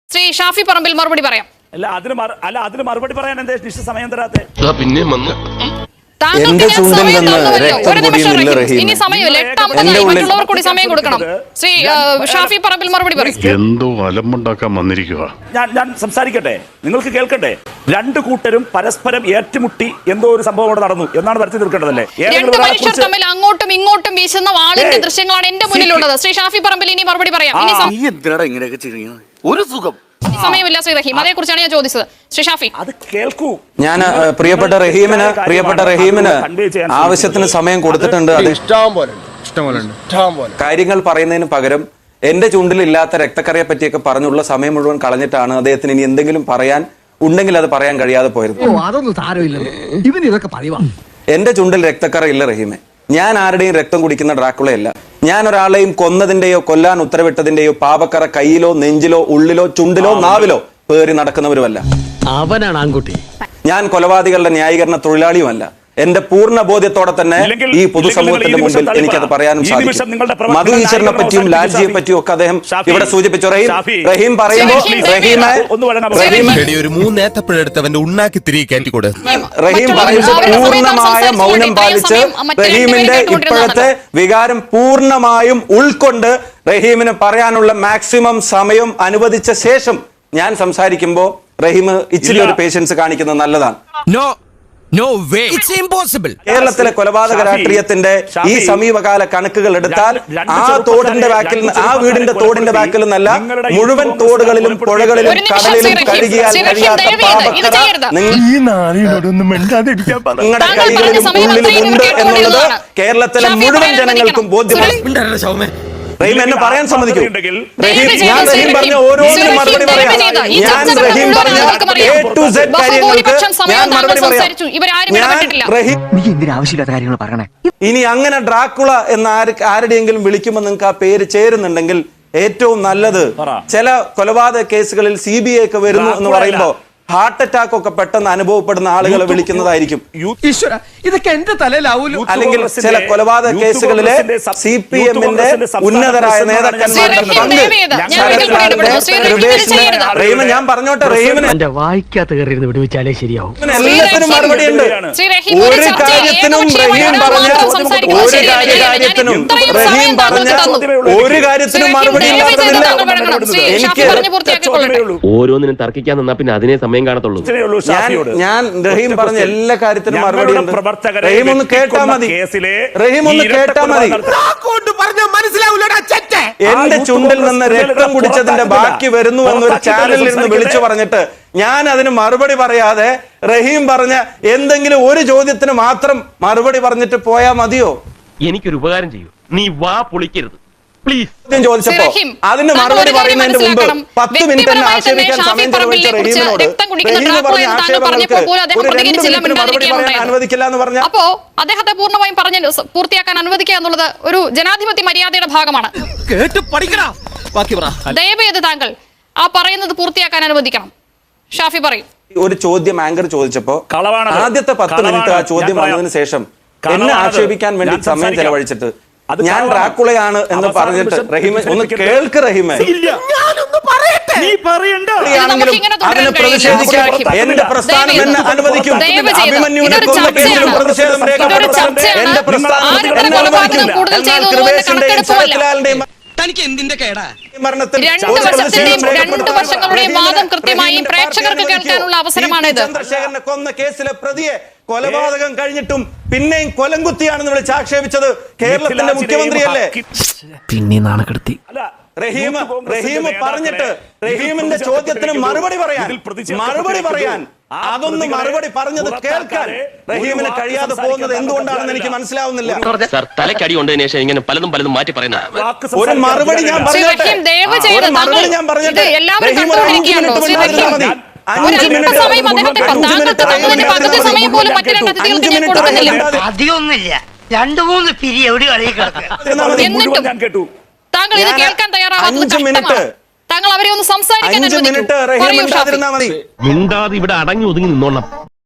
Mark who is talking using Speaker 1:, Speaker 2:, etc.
Speaker 1: ശ്രീ ഷാഫി പറമ്പിൽ മറുപടി പറയാം.
Speaker 2: അതിന് മറുപടി പറയാൻ എന്താ നിശ്ചിത സമയം തരാത്തെ?
Speaker 3: പിന്നെ വന്നു
Speaker 1: എന്റെ ചുണ്ടിൽ നിന്ന് രക്തം പൊടിയുന്നില്ല റഹീം. ഇനി സമയമില്ല, 8:50 മറ്റുള്ളവർ കൂടി സമയം കൊടുക്കണം. ശ്രീ ഷാഫി പറമ്പിൽ മറുപടി പറയും.
Speaker 4: എന്തോ അലമ്പുണ്ടാക്കാൻ വന്നിരിക്കുക.
Speaker 2: ഞാൻ സംസാരിക്കട്ടെ, നിങ്ങൾക്ക് കേൾക്കട്ടെ. രണ്ടു കൂട്ടരും പരസ്പരം ഏറ്റുമുട്ടി എന്തോ ഒരു സംഭവം അവിടെ നടന്നു എന്നാണ് വരുത്തി തീർക്കേണ്ടതല്ലേ?
Speaker 1: രണ്ട് മനുഷ്യർ തമ്മിൽ അങ്ങോട്ടും ഇങ്ങോട്ടും വീശുന്ന വാളിന്റെ ദൃശ്യങ്ങളാണ് എന്റെ മുന്നിലുള്ളത്. ശ്രീ ഷാഫി പറമ്പിൽ ഇനി മറുപടി പറയാം.
Speaker 3: ഒരു സുഖം
Speaker 1: സമയമില്ല ശ്രീ റഹീം, അതേ കുറിച്ചാണ് ഞാൻ ചോദിച്ചത്. ശ്രീ ഷാഫി
Speaker 2: അത് കേൾക്കൂ.
Speaker 5: ഞാൻ പ്രിയപ്പെട്ട റഹീമിന് ആവശ്യത്തിന് സമയം കൊടുത്തിട്ടുണ്ട്. അത് കാര്യങ്ങൾ പറയുന്നതിന് പകരം എന്റെ ചുണ്ടിലില്ലാത്ത രക്തക്കറയെ പറ്റിയൊക്കെ പറഞ്ഞുള്ള സമയം മുഴുവൻ കളഞ്ഞിട്ടാണ് അദ്ദേഹത്തിന് ഇനി എന്തെങ്കിലും പറയാൻ ഉണ്ടെങ്കിൽ അത് പറയാൻ കഴിയാതെ പോയത്. എന്റെ ചുണ്ടിൽ രക്തക്കറ ഇല്ല റഹീമെ. ഞാൻ ആരുടെയും രക്തം കുടിക്കുന്ന ഡ്രാക്കുളയല്ല. ഞാൻ ഒരാളെയും കൊന്നതിന്റെയോ കൊല്ലാൻ ഉത്തരവിട്ടതിന്റെയോ പാപക്കറ കയ്യിലോ നെഞ്ചിലോ ഉള്ളിലോ ചുണ്ടിലോ നാവിലോ പേറി നടക്കുന്നവരുമല്ല.
Speaker 6: അവനാണ് ആൺകുട്ടി.
Speaker 5: ഞാൻ കൊലപാതകളുടെ ന്യായീകരണ തൊഴിലാളിയുമല്ല. എന്റെ പൂർണ്ണ ബോധ്യത്തോടെ തന്നെ ഈ പൊതുസമൂഹത്തിന്റെ മുമ്പിൽ എനിക്കത് പറയാനും സാധിക്കും. മധു ഈശ്വരനെ പറ്റിയും ലാൽജിയെ പറ്റിയും ഒക്കെ അദ്ദേഹം ഇവിടെ സൂചിപ്പിച്ചു. റഹീം പറയുമ്പോൾ
Speaker 3: ഒരു മൂന്നേത്തപ്പഴെടുത്തവന്റെ ഉണ്ണാക്കി തിരികെ കയറ്റിക്കൂടെ?
Speaker 5: റഹീം പറയുമ്പോൾ പൂർണ്ണമായ മൗനം പാലിച്ച് റഹീമിന്റെ ഇപ്പോഴത്തെ വികാരം പൂർണ്ണമായും ഉൾക്കൊണ്ട് റഹീമിന് പറയാനുള്ള മാക്സിമം സമയം അനുവദിച്ച ശേഷം ഞാൻ സംസാരിക്കുമ്പോൾ റഹീം ഇച്ചിരി ഒരു പേഷ്യൻസ് കാണിക്കുന്നത് നല്ലതാണ്.
Speaker 3: No way. It's impossible.
Speaker 5: കേരളത്തിലെ കൊലപാതക രാഷ്ട്രീയത്തിന്റെ ഈ സമീപകാല കണക്കുകൾ എടുത്താൽ ആ വീടിന്റെ തോടിന്റെ ബാക്കിൽ നിന്നല്ല മുഴുവൻ തോടുകളിലും പുഴകളിലും കടലിലും കഴുകിയാൽ കഴിയാത്ത പാപക്കറ നിങ്ങളുടെ കൈകളിലും ഉള്ളിലും ഉണ്ട് എന്നുള്ളത് കേരളത്തിലെ മുഴുവൻ ജനങ്ങൾക്കും ബോധ്യമാണ്. റഹീം എന്നെ പറയാൻ സമ്മതിക്കൂ. ഞാൻ റഹീം പറഞ്ഞ ഓരോന്നിനും മറുപടി പറയാം. ഞാൻ റഹീം പറഞ്ഞ A to Z കാര്യങ്ങൾക്ക് ഞാൻ മറുപടി പറയാം. ഇനി അങ്ങനെ ഡ്രാക്കുള എന്ന് ആരുടെയെങ്കിലും വിളിക്കുമ്പോൾ നിങ്ങൾക്ക് ആ പേര് ചേരുന്നുണ്ടെങ്കിൽ ഏറ്റവും നല്ലത് ചില കൊലപാതക കേസുകളിൽ CBI ഒക്കെ വരുന്നു എന്ന് പറയുമ്പോൾ ഹാർട്ട് അറ്റാക്ക് ഒക്കെ പെട്ടെന്ന് അനുഭവപ്പെടുന്ന ആളുകളെ വിളിക്കുന്നതായിരിക്കും. അല്ലെങ്കിൽ ചില കൊലപാതക കേസുകളിലെ CPM-ന്റെ ഉന്നതരായ നേതാക്കന്മാരുടെ റഹീമൻ ഞാൻ പറഞ്ഞോട്ടെ, റഹീമിന്
Speaker 6: വായിക്കാത്ത കയറിയിരുന്ന് വിടുവിച്ചാലേ ശരിയാവും.
Speaker 5: എല്ലാത്തിനും മറുപടിയുണ്ട്. ഒരു കാര്യത്തിനും റഹീം പറഞ്ഞ ഒരു കാര്യത്തിനും മറുപടി ഇല്ലാത്തതില്ല.
Speaker 7: ഓരോന്നിനും തർക്കിക്കാൻ നിന്നാ പിന്നെ അതിനെ സമയം കാണത്തുള്ളൂ.
Speaker 5: ഞാൻ റഹീം പറഞ്ഞ എല്ലാ കാര്യത്തിനും മറുപടി ഉണ്ട്. റഹീം ഒന്ന് കേട്ടാ മതി. റഹീം ഒന്ന് കേട്ടാ മതി. എന്റെ ചുണ്ടിൽ നിന്ന് രക്തം കുടിച്ചതിന്റെ ബാക്കി വരുന്നു എന്നൊരു ചാനലിൽ നിന്ന് വിളിച്ചു പറഞ്ഞിട്ട് ഞാൻ അതിന് മറുപടി പറയാതെ റഹീം പറഞ്ഞ എന്തെങ്കിലും ഒരു ചോദ്യത്തിന് മാത്രം മറുപടി പറഞ്ഞിട്ട് പോയാ മതിയോ?
Speaker 7: എനിക്കൊരു ഉപകാരം ചെയ്യൂ, നീ വാ പൊളിക്കരുത് പ്ലീസ്.
Speaker 5: ചോദിച്ചപ്പോ അതിന് മറുപടി പറയുന്നതിന് മുമ്പ് 10 മിനിറ്റ് തന്നെ ആക്ഷേപിക്കാൻ സമയം ചെലവഴിച്ച റഹീമിനോട് റഹീം പറഞ്ഞ ആക്ഷേപങ്ങൾക്ക് ഒരു 2 മിനിറ്റ് മറുപടി പറയാൻ അനുവദിക്കില്ല എന്ന് പറഞ്ഞാൽ
Speaker 1: അപ്പോ അദ്ദേഹത്തെ പൂർണ്ണമായും പറഞ്ഞ് പൂർത്തിയാക്കാൻ അനുവദിക്കുക എന്നുള്ളത് ഒരു ജനാധിപത്യ മര്യാദയുടെ ഭാഗമാണ്. ദയവേത് താങ്കൾ ആ പറയുന്നത് പൂർത്തിയാക്കാൻ അനുവദിക്കണം. ഷാഫി പറയും.
Speaker 5: ഒരു ചോദ്യം ആങ്കർ ചോദിച്ചപ്പോ ആദ്യത്തെ 10 മിനിറ്റ് ആ ചോദ്യം വന്നതിന് ശേഷം എന്നെ ആക്ഷേപിക്കാൻ വേണ്ടി സമയം ചെലവഴിച്ചിട്ട് ഞാൻ ഡ്രാക്കുളയാണ് എന്ന് പറഞ്ഞിട്ട് റഹീം ഒന്ന് കേൾക്ക്. റഹീമെ അതിന് പ്രതിഷേധിക്കാൻ എന്റെ പ്രസ്ഥാനം എന്നെ അനുവദിക്കും. അഭിമന്യുവിനെ കൊന്ന കേസിലും പ്രതിഷേധം രേഖപ്പെടുത്താൻ എന്റെ പ്രസ്ഥാനം എന്നെ അനുവദിക്കും. എന്നാൽ കൃപേഷിന്റെയും ശരത്ലാലിന്റെയും
Speaker 1: രണ്ട് വശങ്ങളുടെയും വാദം കൃത്യമായി പ്രേക്ഷകർക്ക് കേൾക്കാനുള്ള അവസരമാണ് ഇത്.
Speaker 5: ചന്ദ്രശേഖരനെ കൊന്ന കേസിലെ പ്രതിയെ കൊലപാതകം കഴിഞ്ഞിട്ടും പിന്നെയും കൊലംകുത്തിയാണെന്ന് വിളിച്ച് ആക്ഷേപിച്ചത് കേരളത്തിന്റെ മുഖ്യമന്ത്രിയല്ലേ?
Speaker 6: പിന്നെ നാണക്കെടുത്തി.
Speaker 5: റഹീം പറഞ്ഞിട്ട് റഹീമിന്റെ ചോദ്യത്തിന് മറുപടി പറയാൻ അതൊന്ന് മറുപടി പറഞ്ഞത് കേൾക്കാൻ റഹീമിന് കഴിയാതെ പോകുന്നത് എന്തുകൊണ്ടാണെന്ന് എനിക്ക് മനസ്സിലാവുന്നില്ല.
Speaker 7: തലക്കടി കൊണ്ടതിന് ശേഷം ഇങ്ങനെ പലതും മാറ്റി പറയുന്നത്
Speaker 5: ഒരു മറുപടി ഞാൻ പറഞ്ഞോട്ടെ. റഹീം ഒരു 5 മിനിറ്റ് മുന്നായിരുന്നാൽ മതി. 5 മിനിറ്റ്
Speaker 8: അധികമൊന്നുമില്ല. 2-3 പിരി എവിടെ
Speaker 2: ഞാൻ കേട്ടു.
Speaker 1: താങ്കൾ ഇത് കേൾക്കാൻ തയ്യാറാവാത്തത് താങ്കൾ അവരെ ഒന്ന് സംസാരിക്കാൻ
Speaker 5: മിനിറ്റ് റഹീം ഉണ്ടായിരുന്നാൽ മതി.
Speaker 7: മിണ്ടാതെ ഇവിടെ അടങ്ങി ഒതുങ്ങി നിന്നോളാം.